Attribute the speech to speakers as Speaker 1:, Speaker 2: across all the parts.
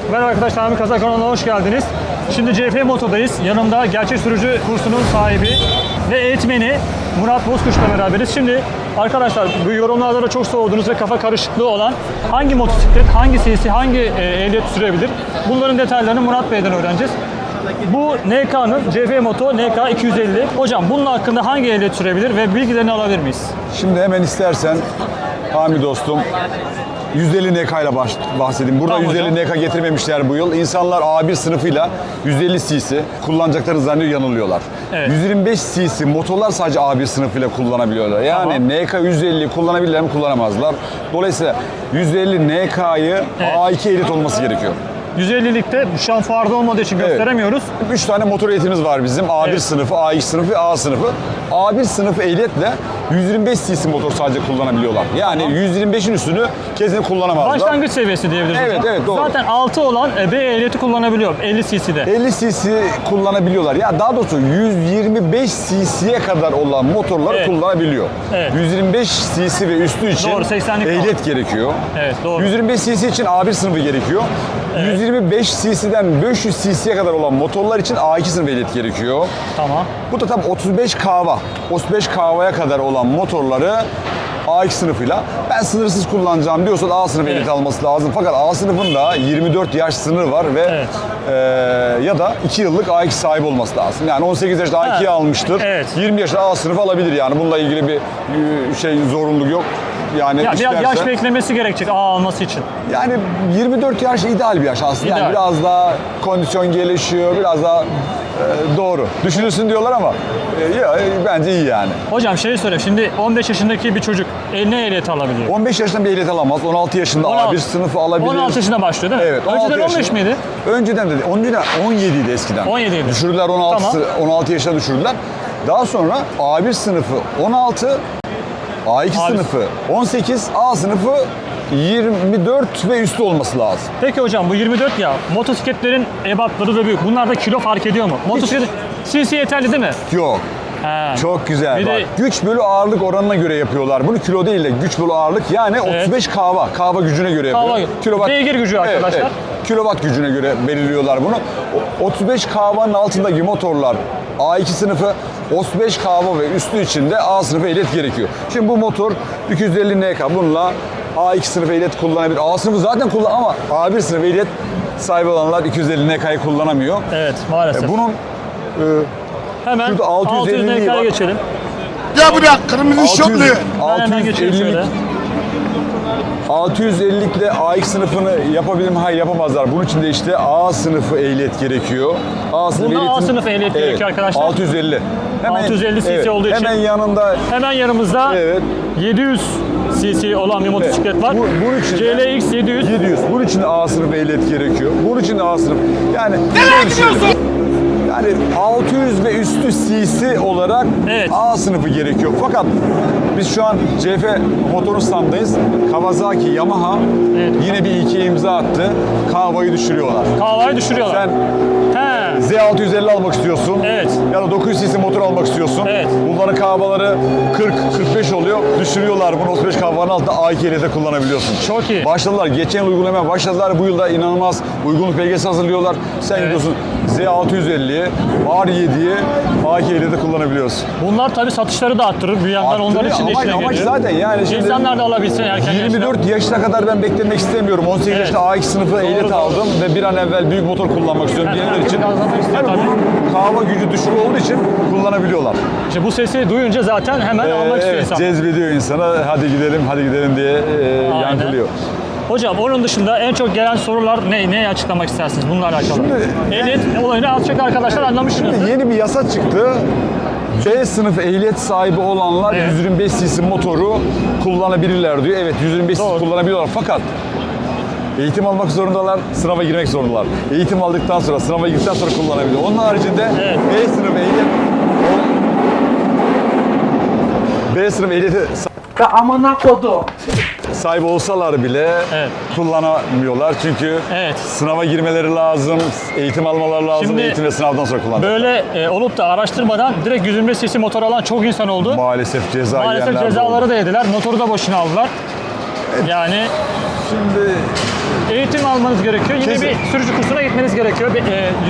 Speaker 1: Merhaba arkadaşlar, Nami Kazak kanalına hoş geldiniz. Şimdi CF Moto'dayız. Yanımda gerçek sürücü kursunun sahibi ve eğitmeni Murat Bozkuş'la beraberiz. Şimdi arkadaşlar bu yorumlarda da çok sorduğunuz ve kafa karışıklığı olan hangi motosiklet, hangi CC, hangi ehliyet sürebilir? Bunların detaylarını Murat Bey'den öğreneceğiz. Bu NK'nın CF Moto NK 250. Hocam bunun hakkında hangi ehliyet sürebilir ve bilgilerini alabilir miyiz?
Speaker 2: Şimdi hemen istersen Hami dostum 150 NK ile bahsedeyim. Burada
Speaker 1: Tamam
Speaker 2: 150
Speaker 1: hocam.
Speaker 2: NK getirmemişler bu yıl. İnsanlar A1 sınıfıyla 150 cc kullanacaklarını zannediyor, yanılıyorlar.
Speaker 1: Evet.
Speaker 2: 125 cc motorlar sadece A1 sınıfıyla kullanabiliyorlar. Yani NK 150'yi kullanabilirler mi? Kullanamazlar. Dolayısıyla 150 NK'yı
Speaker 1: Evet.
Speaker 2: A2 ehliyet olması gerekiyor.
Speaker 1: 150'likte şu an fuarda olmadığı için gösteremiyoruz.
Speaker 2: 3 tane motor ehliyetimiz var bizim. A1
Speaker 1: Evet.
Speaker 2: sınıfı, A2 sınıfı ve A sınıfı. A1 sınıfı ehliyetle 125 cc motor sadece kullanabiliyorlar. Yani 125'in üstünü kesinlikle kullanamazlar.
Speaker 1: Başlangıç seviyesi diyebiliriz.
Speaker 2: Evet,
Speaker 1: hocam.
Speaker 2: evet, doğru.
Speaker 1: Zaten 6 olan B ehliyeti kullanabiliyor 50 cc'de.
Speaker 2: 50 cc kullanabiliyorlar. Ya daha doğrusu 125 cc'ye kadar olan motorları
Speaker 1: Evet.
Speaker 2: kullanabiliyor.
Speaker 1: Evet.
Speaker 2: 125 cc ve üstü için
Speaker 1: Doğru, 80'lik
Speaker 2: ehliyet gerekiyor.
Speaker 1: Evet, doğru.
Speaker 2: 125 cc için A1 sınıfı gerekiyor. 125 cc'den 500 cc'ye kadar olan motorlar için A2 sınıfı ehliyet gerekiyor.
Speaker 1: Tamam.
Speaker 2: Bu da tam 35 kava. 35 kavaya kadar olan motorları A2 sınıfıyla ben sınırsız kullanacağım diyorsan A sınıfı ehliyet alması lazım. Fakat A sınıfında 24 yaş sınırı var ve
Speaker 1: Evet.
Speaker 2: ya da 2 yıllık A2 sahibi olması lazım. Yani 18 yaşında A2'yi almıştır.
Speaker 1: Evet.
Speaker 2: 20 yaşında A sınıfı alabilir yani. Bununla ilgili bir zorunluluk yok. Yani
Speaker 1: Ya biraz yaş
Speaker 2: isterse-
Speaker 1: beklemesi gerekecek A alması için.
Speaker 2: yani 24 yaş ideal bir yaş aslında.
Speaker 1: İdeal.
Speaker 2: Yani biraz daha kondisyon gelişiyor, biraz daha doğru. Düşünülsün diyorlar ama bence iyi yani.
Speaker 1: Hocam şey söyle, şimdi 15 yaşındaki bir çocuk ne ehliyeti alabiliyor?
Speaker 2: 15 yaşında bir ehliyet alamaz. 16 yaşında
Speaker 1: 16.
Speaker 2: A1 sınıfı alabilir.
Speaker 1: 16 yaşında başlıyor değil mi?
Speaker 2: Evet.
Speaker 1: Önceden
Speaker 2: 16
Speaker 1: 15
Speaker 2: yaşında.
Speaker 1: miydi?
Speaker 2: Önceden de 17 idi eskiden.
Speaker 1: 17 idi.
Speaker 2: Düşürdüler 16 yaşına düşürdüler. Daha sonra A1 sınıfı 16, A2 sınıfı 18, A sınıfı 24 ve üstü olması lazım.
Speaker 1: Peki hocam bu 24 ya, motosikletlerin ebatları da büyük. Bunlarda kilo fark ediyor mu? Motosiklet CC yeterli değil mi?
Speaker 2: Yok.
Speaker 1: He.
Speaker 2: Çok güzel.
Speaker 1: Bir
Speaker 2: Bak,
Speaker 1: de-
Speaker 2: güç bölü ağırlık oranına göre yapıyorlar. Bunu kilo değil de güç bölü ağırlık yani 35 kava. Kava gücüne göre yapıyor.
Speaker 1: Beygir gücü arkadaşlar.
Speaker 2: Kilowatt gücüne göre belirliyorlar bunu. 35 kavanın altındaki motorlar A2 sınıfı, 35 kava ve üstü için de A sınıfı ehliyet gerekiyor. Şimdi bu motor 250 NK. Bununla A2 sınıfı ehliyet kullanabilir. A sınıfı zaten ama A1 sınıfı ehliyet sahibi olanlar 250 NK'yı kullanamıyor.
Speaker 1: Evet, maalesef.
Speaker 2: Bunun
Speaker 1: Hemen
Speaker 2: şurada
Speaker 1: 600
Speaker 2: 650'liği
Speaker 1: NK'ya
Speaker 2: var.
Speaker 1: geçelim.
Speaker 3: Ya buraya kırmızı şoklu.
Speaker 1: Ben hemen geçiyorum şöyle.
Speaker 2: 650'likle A2 sınıfını yapabilir mi? Hayır, yapamazlar. Bunun için de işte A sınıfı ehliyet gerekiyor. A sınıfı
Speaker 1: Bunda A
Speaker 2: ehliyetin-
Speaker 1: sınıfı ehliyet gerekiyor arkadaşlar.
Speaker 2: 650.
Speaker 1: 650 cc olduğu için.
Speaker 2: Hemen yanında
Speaker 1: Hemen yanımızda
Speaker 2: Evet.
Speaker 1: 700 cc olan bir motosiklet var.
Speaker 2: Bunun için de-
Speaker 1: CLX 700.
Speaker 2: 700. Bunun için de A sınıfı ehliyet gerekiyor. Bunun için de A sınıfı. Yani nereye gidiyorsun? Yani 600 ve üstü cc olarak
Speaker 1: Evet.
Speaker 2: A sınıfı gerekiyor. Fakat biz şu an CF motorun standındayız. Kawasaki, Yamaha
Speaker 1: Evet.
Speaker 2: yine bir iki imza attı. Kavayı düşürüyorlar.
Speaker 1: Kahvayı düşürüyorlar.
Speaker 2: Sen
Speaker 1: He.
Speaker 2: Z650 almak istiyorsun.
Speaker 1: Evet.
Speaker 2: Ya da 900 cc motor almak istiyorsun.
Speaker 1: Evet.
Speaker 2: Bunların kahvaları 40-45 oluyor. Düşürüyorlar bunu 35 kahvanın altında A2 ehliyette kullanabiliyorsun.
Speaker 1: Çok iyi.
Speaker 2: Başladılar. Geçen yıl uygulamaya başladılar. Bu yılda inanılmaz uygunluk belgesi hazırlıyorlar. Sen gidiyorsun Z650'ye, R7'ye A2 ehliyette kullanabiliyorsun.
Speaker 1: Bunlar tabii satışları da arttırır. Bir yandan onlar
Speaker 2: Arttırıyor.
Speaker 1: için de işine
Speaker 2: Amaç
Speaker 1: geliyor.
Speaker 2: zaten yani şimdi
Speaker 1: İnsanlar da alabilsin erken
Speaker 2: 24 yaşına kadar ben beklemek istemiyorum. 18
Speaker 1: Evet.
Speaker 2: yaşında A2 sınıfı ehliyet
Speaker 1: doğru.
Speaker 2: aldım ve bir an evvel büyük motor kullanmak istiyorum
Speaker 1: Evet,
Speaker 2: diyenler için.
Speaker 1: gazlamak istiyor
Speaker 2: Yani
Speaker 1: tabii.
Speaker 2: bunun kahva gücü düşük olduğu için kullanabiliyorlar.
Speaker 1: İşte bu sesi duyunca zaten hemen almak istiyor
Speaker 2: Evet,
Speaker 1: insan.
Speaker 2: cezbediyor insana. Hadi gidelim diye yankılıyor.
Speaker 1: Hocam onun dışında en çok gelen sorular ne? Neyi açıklamak istersiniz bununla alakalı? Ehliyet olayını az çok arkadaşlar anlamışsınız.
Speaker 2: Yeni bir yasa çıktı. B sınıf ehliyet sahibi olanlar
Speaker 1: Evet.
Speaker 2: 125 cc motoru kullanabilirler diyor. Evet, 125
Speaker 1: Doğru.
Speaker 2: cc kullanabiliyorlar fakat eğitim almak zorundalar, sınava girmek zorundalar. Eğitim aldıktan sonra, sınava girdikten sonra kullanabiliyor. Onun haricinde
Speaker 1: Evet.
Speaker 2: B sınıf ehliyeti
Speaker 3: Ve amına kodu.
Speaker 2: sahibi olsalar bile
Speaker 1: Evet.
Speaker 2: kullanamıyorlar. Çünkü
Speaker 1: Evet.
Speaker 2: sınava girmeleri lazım, eğitim almaları lazım,
Speaker 1: Şimdi
Speaker 2: eğitim ve sınavdan sonra kullanacaklar.
Speaker 1: Böyle olup da araştırmadan direkt 125 cc motor alan çok insan oldu.
Speaker 2: Maalesef ceza
Speaker 1: Maalesef
Speaker 2: yiyenler de
Speaker 1: cezaları
Speaker 2: oldu.
Speaker 1: da yediler. Motoru da boşuna aldılar. Yani
Speaker 2: Şimdi
Speaker 1: eğitim almanız gerekiyor. Yine
Speaker 2: Kesin.
Speaker 1: bir sürücü kursuna gitmeniz gerekiyor. 125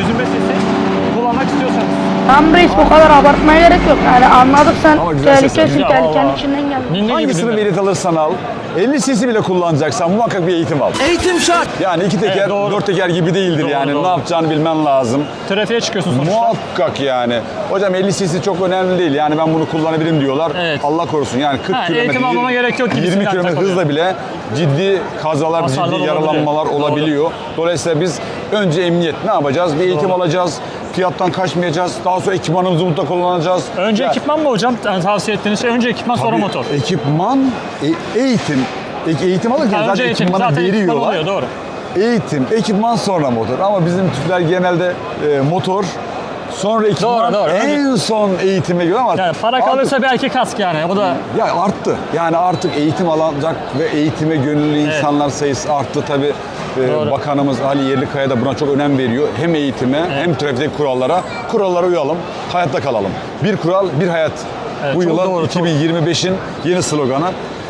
Speaker 1: cc kullanmak istiyorsanız.
Speaker 4: Tam reis bu kadar abartmaya gerek yok. Yani anladık sen
Speaker 2: Ama güzel ses
Speaker 4: tehlikesin,
Speaker 1: güzel,
Speaker 4: tehlikenin
Speaker 1: vallahi.
Speaker 4: içinden geldin.
Speaker 1: Ninni gibi
Speaker 2: Hangisini
Speaker 1: dinle.
Speaker 2: ehliyet alırsan al, 50 cc bile kullanacaksan muhakkak bir eğitim al.
Speaker 3: Eğitim şart.
Speaker 2: Yani iki teker,
Speaker 1: Evet, doğru.
Speaker 2: dört teker gibi değildir
Speaker 1: Doğru,
Speaker 2: yani.
Speaker 1: doğru.
Speaker 2: Ne yapacağını bilmen lazım.
Speaker 1: Trafiğe çıkıyorsun sonuçta.
Speaker 2: Muhakkak yani. Hocam 50 cc çok önemli değil. Yani ben bunu kullanabilirim diyorlar.
Speaker 1: Evet.
Speaker 2: Allah korusun. Yani 40
Speaker 1: Ha,
Speaker 2: kilometre,
Speaker 1: eğitim almama gerek yok
Speaker 2: 20
Speaker 1: gibisinden
Speaker 2: kilometre
Speaker 1: takılıyor.
Speaker 2: hızla bile ciddi kazalar,
Speaker 1: Hasarlar
Speaker 2: ciddi
Speaker 1: olabiliyor.
Speaker 2: yaralanmalar
Speaker 1: Doğru.
Speaker 2: olabiliyor. Dolayısıyla biz önce emniyet ne yapacağız? Bir eğitim alacağız. Fiyattan kaçmayacağız. Daha sonra ekipmanımızı mutlaka kullanacağız.
Speaker 1: Önce
Speaker 2: Ya,
Speaker 1: ekipman mı hocam? Yani tavsiye ettiğiniz şey önce ekipman sonra
Speaker 2: tabii
Speaker 1: motor.
Speaker 2: Ekipman, eğitim. Eğitim alırken
Speaker 1: Ha,
Speaker 2: zaten
Speaker 1: önce eğitim.
Speaker 2: ekipmanı
Speaker 1: Zaten ekipman
Speaker 2: veriyorlar.
Speaker 1: oluyor doğru.
Speaker 2: Eğitim, ekipman sonra motor. Ama bizim Türkler genelde motor, sonra ekipman,
Speaker 1: Doğru, doğru.
Speaker 2: en son eğitime giriyor ama
Speaker 1: Yani para
Speaker 2: artık-
Speaker 1: kalırsa belki kask yani. Bu da
Speaker 2: ya arttı. Yani artık eğitim alacak ve eğitime gönüllü insanlar sayısı arttı. Tabii
Speaker 1: Doğru.
Speaker 2: Bakanımız Ali Yerlikaya da buna çok önem veriyor. Hem eğitime hem trafikteki kurallara. Kurallara uyalım, hayatta kalalım. Bir kural, bir hayat.
Speaker 1: Evet,
Speaker 2: Bu
Speaker 1: çok
Speaker 2: yılın
Speaker 1: doğru, çok-
Speaker 2: 2025'in yeni sloganı.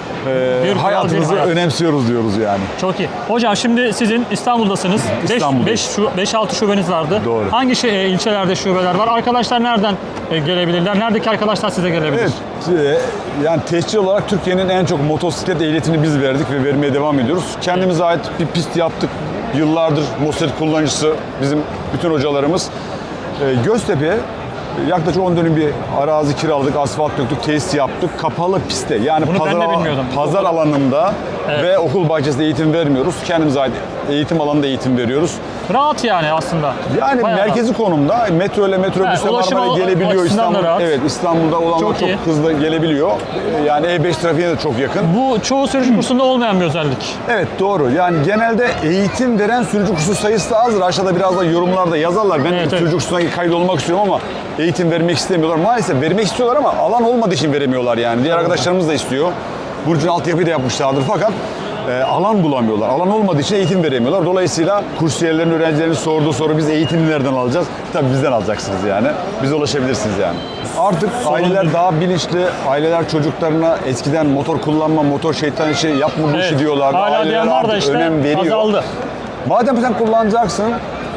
Speaker 1: Bir kural,
Speaker 2: Hayatımızı
Speaker 1: bir hayat.
Speaker 2: önemsiyoruz diyoruz yani.
Speaker 1: çok iyi. Hocam şimdi sizin İstanbul'dasınız.
Speaker 2: İstanbul'dayız.
Speaker 1: 5-6 şubeniz vardı.
Speaker 2: Doğru.
Speaker 1: Hangi ilçelerde şubeler var? Arkadaşlar nereden gelebilirler? Neredeki arkadaşlar size gelebilir?
Speaker 2: Evet, yani tescil olarak Türkiye'nin en çok motosiklet ehliyetini biz verdik ve vermeye devam ediyoruz. Kendimize ait bir pist yaptık. Yıllardır motosiklet kullanıcısı bizim bütün hocalarımız. Göztepe'ye yaklaşık 10 dönüm bir arazi kiraladık, asfalt döktük, tesis yaptık. Kapalı pistte yani
Speaker 1: Bunu ben de bilmiyordum.
Speaker 2: pazar alanında ve okul bahçesinde eğitim vermiyoruz. Kendimize ait eğitim alanında eğitim veriyoruz.
Speaker 1: Rahat yani aslında.
Speaker 2: Yani
Speaker 1: Bayağı
Speaker 2: merkezi konumda metro ile metrobüsle
Speaker 1: ulaşım
Speaker 2: Marmara gelebiliyor.
Speaker 1: açısından da
Speaker 2: İstanbul,
Speaker 1: rahat.
Speaker 2: evet, İstanbul'da olanlar
Speaker 1: Çok
Speaker 2: çok
Speaker 1: iyi.
Speaker 2: hızlı gelebiliyor. Yani E5 trafiğine de çok yakın.
Speaker 1: Bu çoğu sürücü kursunda olmayan bir özellik.
Speaker 2: Evet doğru. Yani genelde eğitim veren sürücü kursu sayısı da azdır. Aşağıda biraz da yorumlarda yazarlar. Ben
Speaker 1: Evet,
Speaker 2: sürücü
Speaker 1: evet.
Speaker 2: kursuna kaydolmak istiyorum ama eğitim vermek istemiyorlar. Maalesef vermek istiyorlar ama alan olmadığı için veremiyorlar yani. Diğer arkadaşlarımız da istiyor. Burcu'nun altyapıyı da yapmışlardır fakat alan bulamıyorlar. Alan olmadığı için eğitim veremiyorlar. Dolayısıyla kursiyerlerin, öğrencilerin sorduğu soru biz eğitimi nereden alacağız? Tabii bizden alacaksınız yani. Bize ulaşabilirsiniz yani. Artık aileler daha bilinçli. Aileler çocuklarına eskiden motor kullanma, motor şeytan işi yapma bu işi diyorlar.
Speaker 1: Hala
Speaker 2: Aileler
Speaker 1: diyen var da
Speaker 2: artık
Speaker 1: işte
Speaker 2: önem veriyor.
Speaker 1: azaldı.
Speaker 2: Madem sen kullanacaksın,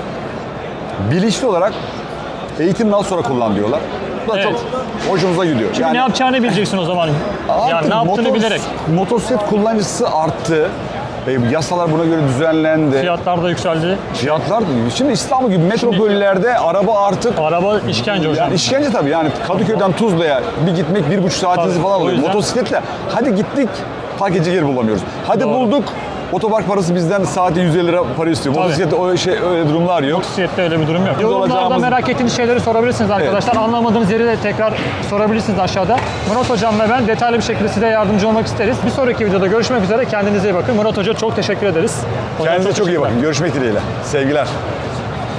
Speaker 2: bilinçli olarak eğitimden sonra kullan diyorlar. Bu da
Speaker 1: Evet.
Speaker 2: çok hoşumuza gidiyor.
Speaker 1: Ne yapacağını bileceksin o zaman. Yani
Speaker 2: artık
Speaker 1: ne yaptığını bilerek.
Speaker 2: Motosiklet kullanıcısı arttı. Yasalar buna göre düzenlendi.
Speaker 1: Fiyatlar da yükseldi.
Speaker 2: Fiyatlar, şimdi İstanbul gibi metropollerde araba artık
Speaker 1: Araba işkence hocam.
Speaker 2: yani işkence tabii yani Kadıköy'den Tuzla'ya bir gitmek 1,5 saatinizi
Speaker 1: Tabii,
Speaker 2: falan
Speaker 1: o
Speaker 2: alıyor.
Speaker 1: yüzden-
Speaker 2: Motosikletle hadi gittik park edecek yer bulamıyoruz. Hadi
Speaker 1: Doğru.
Speaker 2: bulduk otopark parası bizden saati 150 lira para istiyor.
Speaker 1: Tabii.
Speaker 2: Motosiklette öyle durumlar yok.
Speaker 1: Motosiklette öyle bir durum yok. Yorumlarda
Speaker 2: olacağımız-
Speaker 1: merak ettiğiniz şeyleri sorabilirsiniz arkadaşlar. Anlamadığınız yeri de tekrar sorabilirsiniz aşağıda. Murat Hocam ve ben detaylı bir şekilde size yardımcı olmak isteriz. Bir sonraki videoda görüşmek üzere. Kendinize iyi bakın. Murat Hoca çok teşekkür ederiz. Hocam
Speaker 2: Kendinize çok iyi
Speaker 1: teşekkürler.
Speaker 2: bakın. Görüşmek dileğiyle. Sevgiler.